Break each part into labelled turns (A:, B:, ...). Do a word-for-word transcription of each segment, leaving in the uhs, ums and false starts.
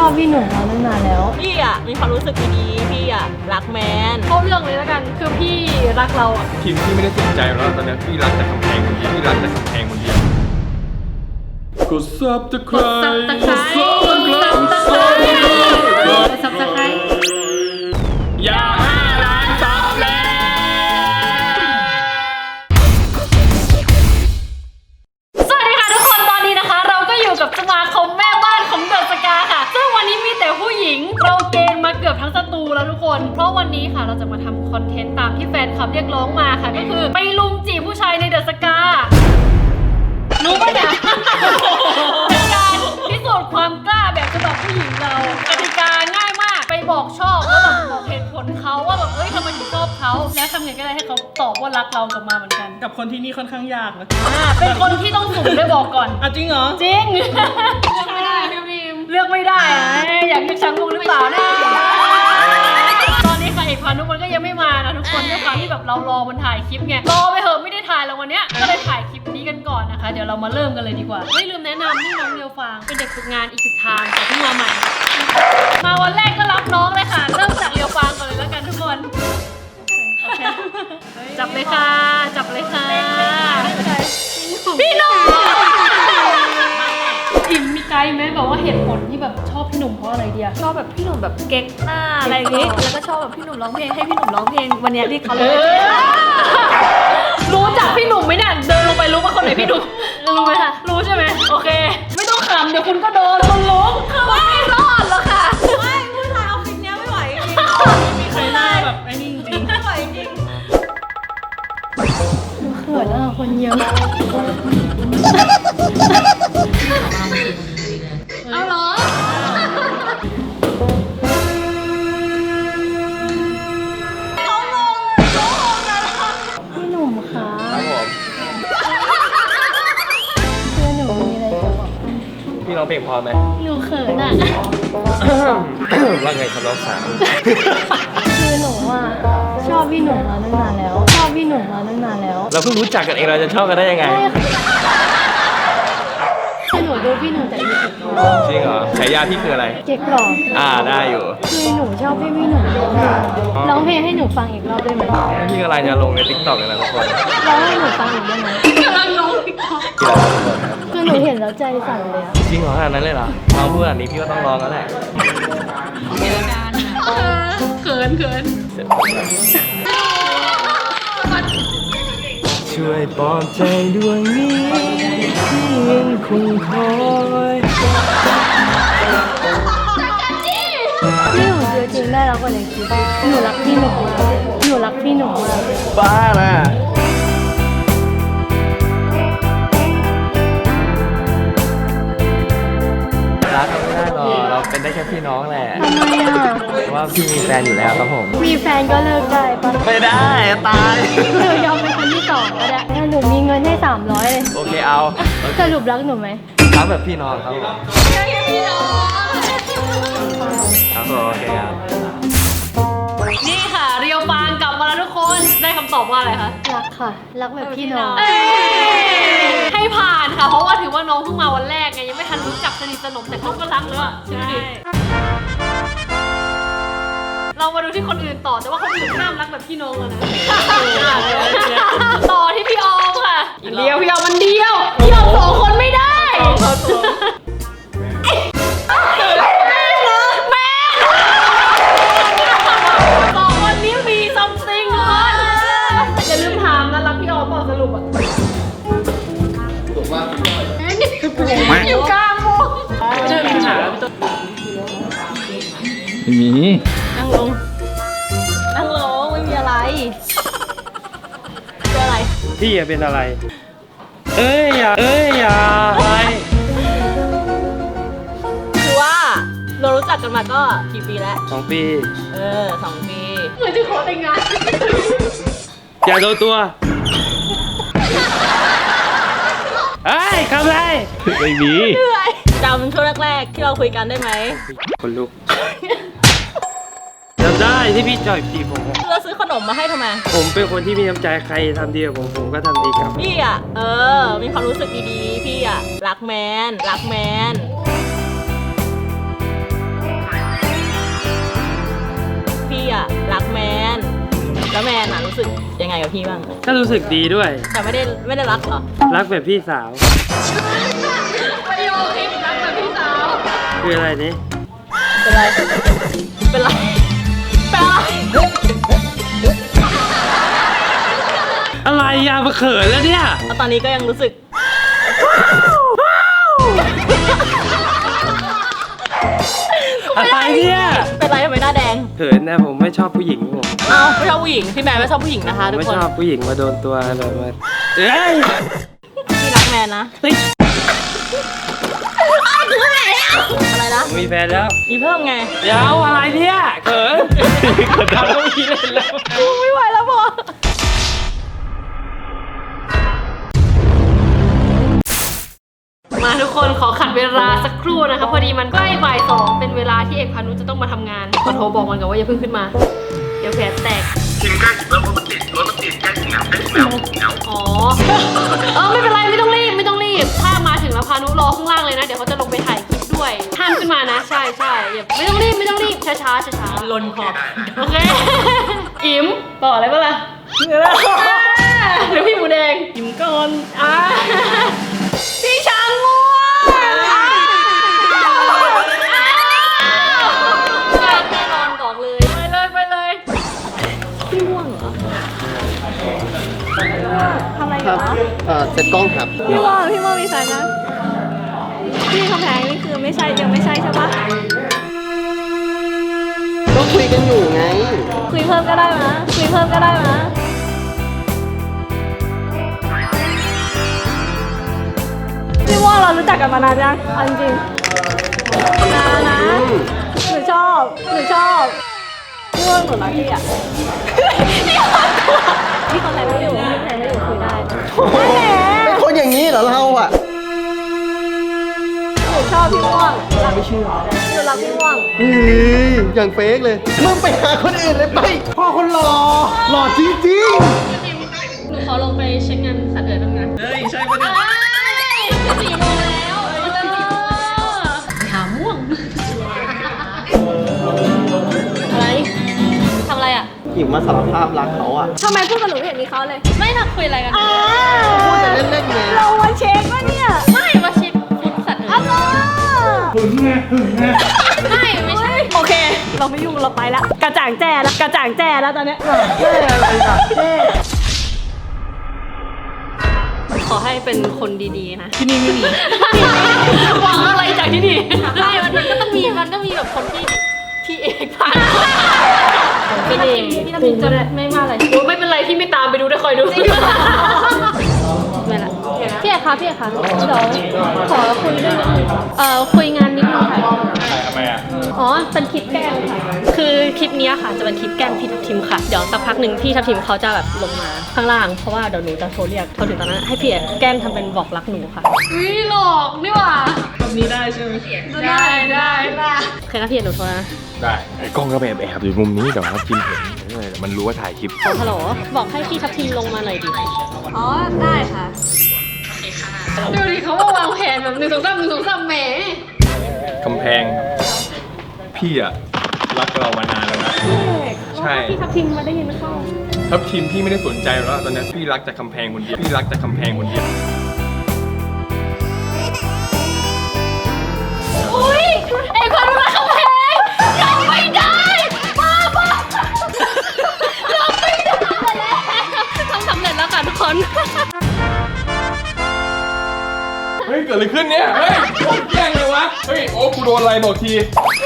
A: อบพี่หนุ่มมาตั้งนานแล้ว
B: พี่อ่ะมีความรู้สึกดีๆพี่อ่ะรักแมน
C: เข้าเรื่องเลยแล้วกันคือพี่รักเราอ่ะ
D: ทีมพี่ไม่ได้สนใจแล้วตอนนี้พี่รักแต่กำแพงคนเดียวพี่รักแต่กำแพงคนเดียวกดซับตะไคร้
C: กดซับตะไคร้กดซับตะไคร้กดซับตะไคร้
D: ยาห้าล้านซับแล้ว
C: สวัสดีค่ะทุกคนตอนนี้นะคะเราก็อยู่กับสมาคมแม่บ้านของเดอะสกาค่ะซึ่งวันนี้มีแต่ผู้หญิงเราเกณฑ์มาเกือบทั้งสตูแล้วทุกคนเพราะวันนี้ค่ะเราจะมาทำคอนเทนต์ตามที่แฟนคลับเรียกร้องมาค่ะก็คือไปลุมจีบผู้ชายในเดอะสการู้ปะเนี่ยเป็นการพิสูจน์ความกล้าแบบฉบับผู้หญิงเรากติกาง่ายมากไปบอกชอบแล้วแบบบอกเหตุผลเขาว่าแบบเอ้ยทำไมถึงชอบเขาแล้วทำไงก็ได้ให้เขาตอบว่ารักเรากลับมาเหมือนกัน
E: กับคนที่นี่ค่อนข้างยากนะ
C: อ่าเป็นคนที่ต้องสุ่มด้วยบอกก่อน
E: อ่ะจริงเหรอ
C: จริงเลือกไม่ได้พี่บีมเลือกไม่ได้อะอยากเลือกช้างมุงหรือเปล่านะตอนนี้ค่ะเอกพานุมันก็ยังไม่มานะทุกคนด้วยความที่แบบเรารอมันถ่ายคลิปไงรอไปเหอะไม่ได้ถ่ายแล้ววันเนี้ยก็เลยถ่ายคลิปนี้กันก่อนนะคะเดี๋ยวเรามาเริ่มกันเลยดีกว่าไม่ลืมแนะนำนี่น้องเรียวฟางเป็นเด็กฝึกงานอีกสิบทางแต่ที่มาใหม่มาวันแรกก็รับน้องเลยค่ะเริ่มจากเรียวฟางก่อนเลยแล้วกันทุกคนโอเคจับเลยค่ะจับเลยค่ะพี่หนุ่มอิ่มมีไกด์ไหมแบบว่าเหตุผลที่แบบชอบพี่หนุ่มเพราะอะไรเดีย
B: ชอบแบบพี่หนุ่มแบบเก๊กหน้าอะไรอย่างงี้แล้วก็ชอบแบบพี่หนุ่มร้องเพลงให้พี่หนุ่มร้องเพลงวันนี้ที่เขาเลย
C: รู้จักพี่หนุ่มไหมเนี่ยเดินลงไปรู้ว่าคนไหนพี่หนุ่มรู้ไหมคะรู้ใช่ไหมโอเคไม่ต้องขำเดี๋ยวคุณก็โดนคนรู้ไม่รอดหรอกค่ะ
B: ไม่ผู้ชายเอาคลิปนี้ไม่ไหวจริง
E: ไม่มีใครหน้าแบบไอ้นี่จริง
B: ไม่ไหวจริง
A: เขินอ่ะคนเยอะ
C: เอาเหรอ
A: พี่หนุ่มคะ
D: ครับผม
A: คือหนูมีอะไรจะบอก
D: พี่ร้องเพลงพอไหม
A: หนูเขินอ่ะ
D: ว่าไงครับน้องสาว
A: คือหนูอ่ะชอบพี่หนุ่มมาตั้งนานแล้วชอบพี่หนุ่มมาตั้งนานแล้ว
D: เราเพิ่งรู้จักกันเองเราจะชอบกันได้ยังไง
A: คือหนูดูพี่หนุ่มจากยูทูบ
D: จริงเหรอฉายาพี่คืออะไร
A: เก๊กหล่อ
D: อ่าได้อยู่
A: คือหนูชอบพี่พี่หนุ่มร้องเพลงร้องเพลงให้หนูฟังอีกรอบได้ไหม
D: พี่กำลังจะลงในติ๊กต็อกเลยนะทุกคน
A: ร้องให้หนูฟังอีกได้ไหม
C: กำลังร้องติ๊กต็อก
A: คือหนูเห็นแล้วใจสั่นเลยอะ
D: จริงเหรอขนาดนั้นเลยเหรอเราพูดแบบนี้พี่ก็ต้องลองแล้วแหละ
C: เขินเขิน
D: ช่วยปลอบใจดวงนี้ที่ยังคงคอย
A: พี่หนุ่มคือจริงได้แล้วกว่าในคลิปหนูรักพี่หนุ่มมากหนูรักพี่หนุ่มมาก
D: บ้าน่ะรักกันไม่ได้หรอกเราเป็นได้แค่พี่น้องแหละ
A: ทำไมอ่ะ
D: เพราะว่าพี่มีแฟนอยู่แล้วครับผม
A: มีแฟนก็เลิกได้ปะ
D: ไม่ได้ตาย
A: หนูยอมเป็นคนที่สองก็ได้ถ้าหนูมีเงินให้สามร้อยเลย
D: โอเคเอา
A: สรุปรักหนูไหม
D: รักแบบพี่น้องครับผม
C: พี่น้อง
D: ครับผมโอเคครับ
C: นี่ค่ะเรียวฟางกลับมาแล้วทุกคนได้คำตอบว่าอะไรคะ
A: รักค่ะรักแบบพี่น้อง
C: ให้ผ่านค่ะเพราะว่าถือว่าน้องเพิ่งมาวันแรกไงยังไม่ทันรู้จักสนิทสนมแต่เขาก็รักแล้วอ่ะใช่เรามาดูที่คนอื่นต่อแต่ว่าคนอื่นห้ามรักแบบพี่น้องแล้วนะต่อที่พี่ออมค่ะเดียวพี่ออมมันเดียวพี่ออมสองคนไม่ได้สองคนนี้มีซัมติงคนอย่าลืมถามนะรักพี่ออมเปล่าสรุปอ่ะอยู่กลางวงเดินหา
D: ไม่มี
C: นั่งลงนั่งลงไม่มีอะไรเป็นอะไร
D: พี่อย่าเป็นอะไรเอ้ยอย่าเอ้ยอย่าอะไร
B: คือว่าเรารู้จักกันมาก็กี่ปีแล้ว
D: สองปี
B: เออสองปี
C: เหมือนจะขอแต่งงาน
D: อย่าโดนตัวเอ้ยทำไรไม่มี
B: จำช่วงแรกๆที่เราคุยกันได้ไหม
D: คนลุกจำได้ที่พี่จอยจีบผม
B: เราซื้อขนมมาให้ทำไม
D: ผมเป็นคนที่มีน้ำใจใครทำดีกับผมผมก็ทำดีกับ
B: พี่อ่ะเออมีความรู้สึกดีๆพี่อ่ะรักแมนรักแมน
F: พี่อะรักแมนแล้วแมนอะรู้สึกยังไงกับพี่บ้าง
C: ก็รู้สึกดีด้วย
F: แต่ไม่ได้ไม่ได้รักเหรอ
C: รักแบบพี่สาว
F: ประโยคที่รักแบบพี่สาว
C: คืออะไรนี่
F: เป็นไรเป็นไรเป็นไร
C: อะไรอะมาเขินแล้วเนี่ย
F: แล้วตอนนี้ก็ยังรู้สึก
C: อะไรเนี่ย
F: เป็นไรทำไมหน้าแดง
C: เขินนะผมไม่ชอบผู้หญิงผม
F: เอ้าไม่ชอบผู้หญิงพี่แมนไม่ชอบผู้หญิงนะคะทุก
C: ไม่
F: คน
C: ชอบผู้หญิงมาโดนตัวแบบว่าเอ้ย
F: พี่รักแมนนะ
C: เฮ้ย
F: อะไรนะ
C: ผมมีแฟนแล้ว
F: มีเพิ่มไง
C: เดี๋ยวอะไรเนี่ยเขินเขินทำต้องมีเล่นแล้ว
F: ไม่ไหวแล้วพอมาทุกคนขอขัดเวลาสักครู่นะคะพอดีมันใกล้บ่ายสองเป็นเวลาที่เอกพานุจะต้องมาทำงานขอโทรบอกมันก่อนว่าอย่าเพิ่งขึ้นมา เดี๋ยวแผลแตกทีมใกล้ถึงแล้วรถมันติดรถมันติดใกล้ถึงแล้วใกล้ถึงแล้วอ๋อเออไม่เป็นไรไม่ต้องรีบไม่ต้องรีบถ้ามาถึงแล้วพานุรอข้างล่างเลยนะเดี๋ยวเขาจะลงไปถ่ายคลิปด้วยห้ามขึ้นมานะใช่ใช่อย่าไม่ต้องรีบไม่ต้องรีบช้าช้าช้าช้าลนขอบโอเคอิ๋มต่ออะไรบ้างล่ะหรือพี่หมูแดงอิ๋มก่อนอ่ะพี่ช้างง่วงแน่นอนบอกเลยไปเลยไปเลยพี่ง่วงเหรอ
A: ทำอะไรอยู่วะ
G: เอ่อเซ็ตกล้องครับ
A: พี่ว่าพี่ว่ามีแฟนยังพี่คำแพงนี่คือไม่ใช่ยังไม่ใช่ใช่ปะ
G: ก็คุยกันอยู่ไง
A: คุยเพิ่มก็ได้นะคุยเพิ่มก็ได้นะพี่ว่าเรารู้จักกันมานานยังเอาจริงๆนานนะหนูชอบหนูชอบพี่ว่าหนูรักพี่อ่ะพี่คนไหนไม่อยู่พี่คนไหนไม่อยู่คุยได้
G: เป็นคนอย่างนี้เหรอเราอ่ะ
A: หนูชอบพี่ม่วงรักไม่เชื่อหนูรักพี่ม่วง
G: เฮ้ยอย่างเฟกเลย มึงไปหาคนอื่นเลยไป พ่อคนหล่อ หล่อจริง
F: หนูขอลงไปเช็คงานสัตว์เอ๋ยบ้างนะ
E: เฮ้ย ใช่ปะเนี่ย
F: สี่โมงแล้วหาม่วง อะไรทำอะไรอ่ะ
G: ๆ อิ่มมาสารภาพรักเขาอ่ะ
A: ทำไมพูดกับหนูไม่เห็นมีเขาเลย
F: ไม่ทักคุยอะไรกัน
A: อ่า
G: พูดแต่เล่นๆไง
A: เรามาเช็คว่าเนี่ย
F: ไม่มาชิดฟุตสัตว์เอ๋
A: อะ
F: ย
A: ไร
E: หึงไงหึงไง
F: ไม่ไม่ใช่
A: โอเค เราไม่ยุ่งเราไปละกระจ่างแจ้แล้วกระจ่างแจ้แล้วตอนเนี้ย
F: ขอให้เป็นคนดีๆนะ ที่นี่ไม่มี หวังอะไรจากที่นี่ใช่มันก็ต้องมี มันก็มีแบบคนที่ที่เอกผ่านพี่เองพี่ทำพิมจะไม่มาอะไรโอ้ไม่เป็นไรที่ไม่ตามไปดูได้คอยดูไม่ละพี่เอกคะพี่เอกคะเดี๋ยวขอคุยด้วยนิดนึงเอ่อคุยงานนิดนึงค่ะ
D: ทำไมอ่ะ
F: อ๋อ เป็นคลิปแกล้งค่ะ คือคลิปเนี้ยค่ะ จะเป็นคลิปแกล้งพี่ทัพทิมค่ะ เดี๋ยวสักพักหนึ่งพี่ทัพทิมเขาจะแบบลงมาข้างล่าง เพราะว่าเดี๋ยวหนูจะโทรเรียกพอถึงตอนนั้นให้พี่แกล้งทำเป็นบอกรักหนูค่ะอุ้ยหลอกนี่หว่า
E: แบบนี้ได้ใช่ไหม
F: ได้ได้ได้เคยนะพี่หนูโทรนะ
D: ได้ไอ้กล้องก็ไปแอบอยู่มุมนี้เดี๋ยวครับจิมเห็นเออเดี๋ยวมันรู้ว่าถ่ายคลิป
F: โทรฮัลโหล บอกให้พี่ทัพทิมลงมาหน่อยดิ
A: อ๋อ ได้ค่ะ
F: ดูดิเขามาวางแผนแบบหนึ่งสองสามหนึ่งสองสามแหม
D: กำแพง พี่อะรักเรามานานแล้วนะ ใช่
F: พี่ทัพทิมมาได้ยินเข้า
D: ทัพทีมพี่ไม่ได้สนใจแล้วตอนนี้พี่รักจากกำแพงคนเดียว พี่รักจากกำแพงคนเดียว
F: อุ้ยไอ้คนรักเขาแพงยังไม่ได้บ้าบ้ายังไม่ได้แล้วทำสำเร็จแล้วค่ะทุกคน
D: เฮ้ยเกิดอะไรขึ้นเนี่ย เฮ้ยโดนแกล้งเลยวะ เฮ้ยโอ้กูโดนอะไรบอกที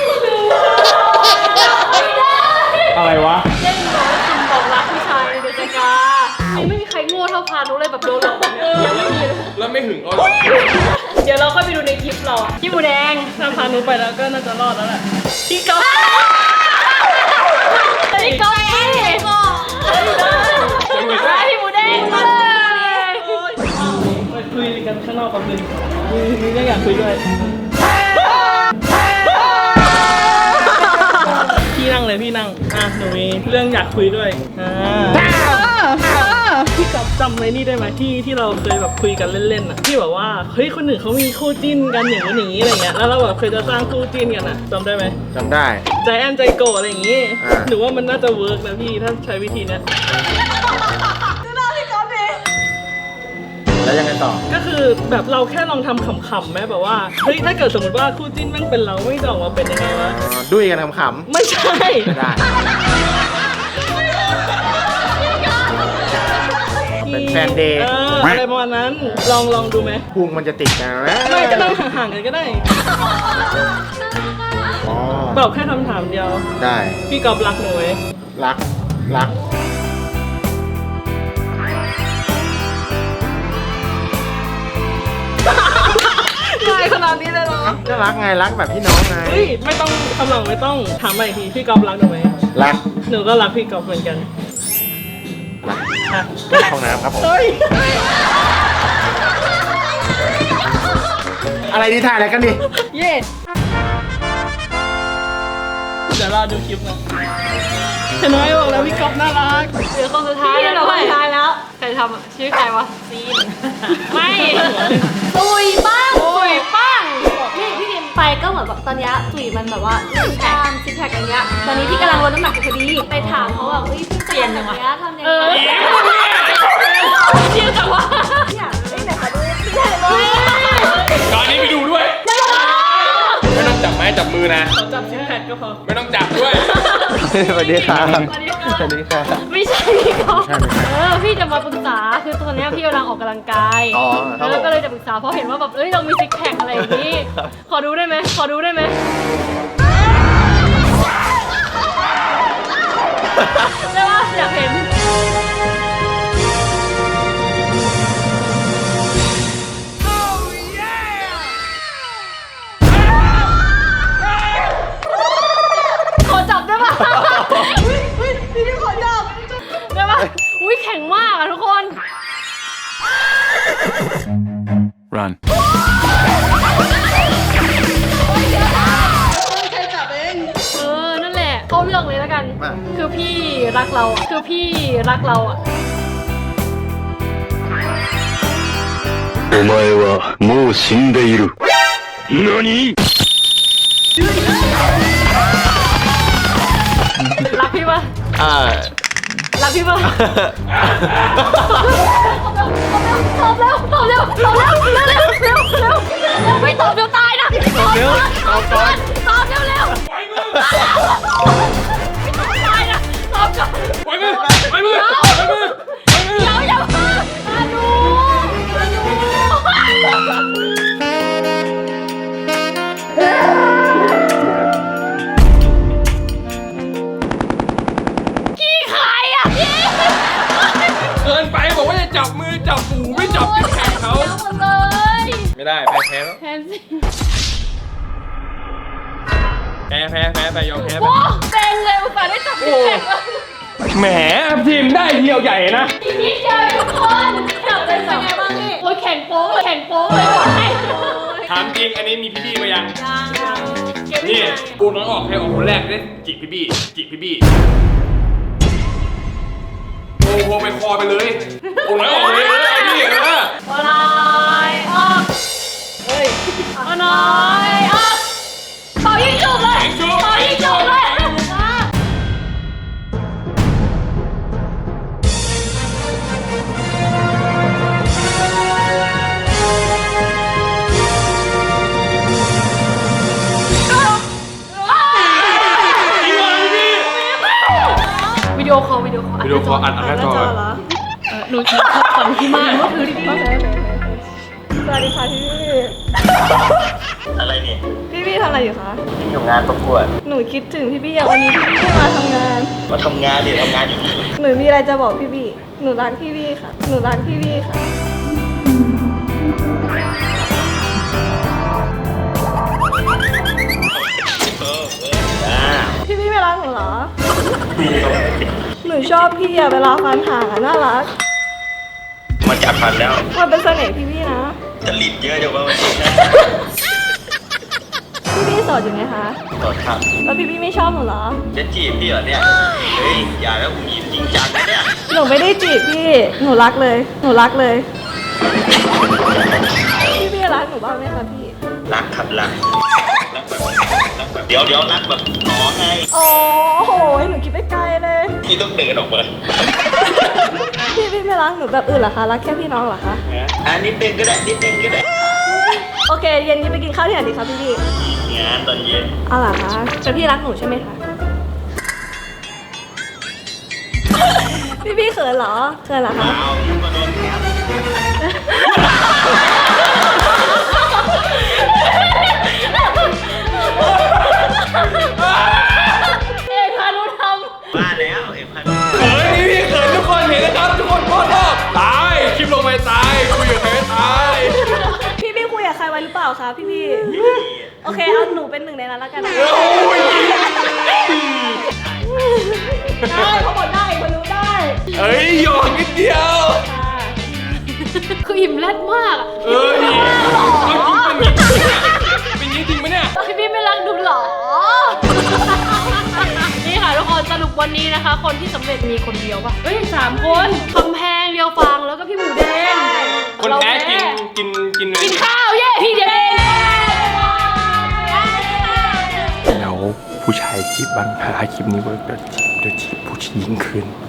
D: อะไรวะ
F: เล่นบอกว่าคุณบอกรักผู้ชายในเดือนกายังไม่มีใครโง่เท่าพานุเลยแบบโดนหลอกเนี่ยยังไม่มีเลย
D: แล้วไม่หึงเอาหรอ
F: เดี๋ยวเราค่อยไปดูในคลิปเราอะพี่หมูแดง
E: ถ้าพานุไปแล้วก็น่าจะรอดแล้วแหละ
F: พี่ก๊อฟพี่ก๊อฟพี่ก๊อฟพี่หมูแดงเลย
E: ไปคุยกันข้างนอกแป๊บนึงนี่ก็อยากคุยด้วย พี่นั่งเลยพี่นั่ง อ่ะหนูมีเรื่องอยากคุยด้วย อ่าพี่กับจำไว้นี่ได้ไหมที่ที่เราเคยแบบคุยกันเล่นๆอ่ะที่แบบว่าเฮ้ยคนหนึ่งเขามีคู่จิ้นกันอย่างนี้อย่างนี้อะไรเงี้ยแล้วเราแบบเคยจะสร้างคู่จิ้นกันอ่ะจำได้ไหม
G: จำได้
E: ใจแอนใจโกอะไรอย่างงี้
G: อ่า
E: หรือว่ามันน่าจะเวิร์กนะพี่ถ้าใช้วิธีเนี้ย
G: แล้วยังไงต่อ
E: ก็คือแบบเราแค่ลองทำขำๆไหมแบบว่าเฮ้ยถ้าเกิดสมมติว่าคู่จิ้นแม่งเป็นเราไม่จะออกมาเป็นยังไงวะ
G: อ๋อดุ้ยกันขำ
E: ไม่ใช่
G: ๆไม่ได้ เป็นแฟนเดย์
E: เอออะไรประมาณนั้นลองลองดูไหม
G: พุงมันจะติดกันไหม
E: ไม่ก็นั่งห่างๆกันก็ได้
G: อ๋อ
E: ตอบแค่คำถามเดียว
G: ได้
E: พี่กอบรักหนูไหม
G: รัก รัก
E: ง่ายขนาดนี้เลยเหรอ
G: ก็รักไง รักแบบพี่น้องไง
E: เฮ้ยไม่ต้องคำหลังไม่ต้องถามใหม่อีกทีพี่กอบรักหนูไหม
G: รัก
E: หนูก็รักพี่กอบเหมือนกัน
G: รัก
E: อ่ะ
G: ห้องน้ำครับผม
E: เฮ้ย
G: อะไรดีถ่ายอะไรกันดิ
E: เย่เดี๋ยวเราดูคลิปนะเห็นไหมบอกแล้วพี่กอบน่ารัก
F: เหลือคนสุดท้าย
B: พี่
F: แล้ว
B: เรา
F: ด้
B: ไป
F: วย
B: ท้ายแล้ว
F: ใครทำอะชื่อใครวะซีนไม่
B: ตุยบ้าง
F: โอ้ยปั้ง
B: นี่พี่พิมไปก็เหมือนแบบตอนเนี้ยตุยมันแบบว่าเรื่องการซิกแพคอย่างเงี้ยตอนนี้พี่กำลังลดน้ำหนักอยู่พอดีไปถามเขาแบบเฮ้ยพี่เปลี่ยนอย่างเงี้ยทำยัง
F: เอ
B: ไง
F: อเชื่อจังวะ
B: อยากเอ้ยไหนขอดูพี่ถ่ายเลย
D: ตอนนี้ไปดูด้วย ไม่ต้องจับไม้จับมือนะ
E: ขอจับซิกแพคก็พอ
D: ไม่ต้องจับด้วย
G: สวัสดีครับ
F: สวัสดีค่ะ
G: สวัสดีครับ
F: ไม่ใช่พี่เขา
G: ใช่ไม่ใช่
F: เออพี่จะมาปรึกษาคือตอนเนี้ยพี่กำลังออกกำลังกาย
G: อ๋อครับผม
F: แล้วก็เลยจะปรึกษาเพราะเห็นว่าแบบเอ้ยเรามีซิกแพคอะไรอย่างนี้ ขอดูได้ไหมขอดูได้ไหมได้ปะอยากเห็น ขอจับได้ปะพี่พี่ขอจับได้ปะอุ้ยแข็งมากอะทุกคน
D: run
F: เออ นั่นแหละ เข้าเรื่องเลยแล้วกัน
G: มา
F: คือพี่รักเราอะคือพี่รักเราอะ
H: お前はもう死んでいる。何
F: รักพี่ปะ
G: อ่า
F: รักพี่ปะตอบเร็วตอบเร็วตอบเร็วเร็วเร็วเร็วเร็วไม่ตอบเดี๋ยวตายนะตอบเร็วตอบก่อนตอบเร็วเร็วไม่ต้องตายนะตอบก่อน
D: ปล่อยมือปล่อยมือปล่อยมือปล่อยมือ
F: เดี๋ยวอย่ามามาดูมาดูขี้ใครอ่ะพี่
D: เกินไปบอกว่าจะจับมือจับหูไม่จับที่แขนเขา
F: หมดเลย
D: ไม่ได้แพ้แพ้แล้ว
F: แทนสิ
D: แพ้แพ้แพ้ไปยอมแพ้ไป
F: โอ้เต็งเลยอุตส่าห์ได้จับพี่แขก
D: แหมทีมได้เดียวใหญ่นะ
F: อีกนิดเดียวทุกคนจับเป็นไงบ้างนี่โอ้ยแข่งโป๊กเลยแข่งโป๊กเลยบอกให้
D: ถามจริงอันนี้มีพี่บี้มายัง
F: ยังยังเก็บไว้
D: นี่
F: ไหน
D: ปูน้อยออกให้ออกคนแรกได้จิกพี่บี้จิกพี่บี้โอ้โหไปคอไปเลยปูน้อยออกเลยเลยนี่เออ
F: โอ้น้อยออกเฮ้ยโอ้น้อยออกเป่ายิงจุกเลยเป่ายิงจุกเลยมา วิดีโอคอลวิดีโอคอล
D: วิดีโอคอลอัดอัดหน้าจอ
A: เหรอ
F: เออหนูขอขอที่มากก็คือที่พี่
A: สวัสดีค่ะพี่พี่
H: อะไรเนี่ย
A: พี่พี่ทำอะไรอยู่คะ
H: อยู่งานประกวด
A: หนูคิดถึงพี่พี่อะวันนี้พี่พี่ไม่มาทำงาน
H: มาทำงานดิทำงานอยู่
A: หนูมีอะไรจะบอกพี่พี่หนูรักพี่พี่ค่ะ หนูรักพี่พี่ค่ะ พี่พี่ไม่รักหนูเหรอ หนูชอบพี่อะเวลาฟันห่างอะน่ารัก
H: มาจัดพันแล้ว
A: มันเป็นเสน่ห์พี่พี่นะ
H: จะหลีดเยอะจังว่าวันนี้นะ
A: พี่พี่โสดอยู่ไหมคะ
H: ตอดครับ
A: แล้วพี่พี่ไม่ชอบหนูเหรอ
H: จะจีบพี่เหรอเนี่ย เฮ้ย อย่าแล้วผมยิ้มจริงจังนะเนี่ย
A: หนูนูไม่ได้จีบพี่ หนูรักเลย หนูรักเลย พี่พี่รักหนูบ้างไหมคะพี่
I: รักครับรักรักแบบรักแบบเดี๋ยวเดี๋ยวรักแบบอ๋อไง
A: โอ้โห หนูคิดไปไกลเลย
I: พี่ต้องเดินออกมา
A: พี่พี่ไม่รักหนูแบบอื่นเหรอคะ รักแค่พี่น้องเหรอคะ
I: อ่ะนิดนึงก็ได้นิดนึงก็ได้
A: โอเค เย็นนี้ไปกินข้าวที่ไหนดีคะพี่พี่
I: งานตอนเย็น
A: เอาเหรอคะแต่พี่รักหนูใช่ไหมคะ พี่พี่เขินเหรอเขินเหรอคะ
I: เอาพี่มาโดนแคป
F: เอกพานุท
I: ว่าแล้วเอ็มพัน
D: เฮ้ยนี่พี่เขินทุกคนเห็นนะครับ ทุกคนโคตรชอบตายคลิปลงไปตายคุยกับใครตาย
A: พี่พี่คุยกับใครไว้หรือเปล่าคะพี่พี่โอเคเอาหนูเป็นหนึ่งในนั้นแล้วกันนะ
D: โอ้ย
A: ได้เขาบอกได้คนรู้ได้
D: เฮ้ยหยอกนิดเดียว
F: ำคืออิ่มแรดมากอะ
D: เอ้ยเอาจริงเป็นอย่างนี้เป็นอย่างนี้จริงไหมเนี่ย
F: พี่พี่ไม่รักหนูเหรอ นี่ค่ะทุกคนสรุปวันนี้นะคะ คนที่สำเร็จมีคนเดียวปะเฮ้ยสามคนคำแพงเดียวฟังแล้วก็พี่หมูแดง
D: คนแพ้กินกินกิน
F: กินข้าวเย่พี่เดง
J: แล้วผู้ชายจีบบ้างถ้าคลิปนี้เวิร์กเดี๋ยวจีบเดี๋ยวจีบผู้หญิงคืน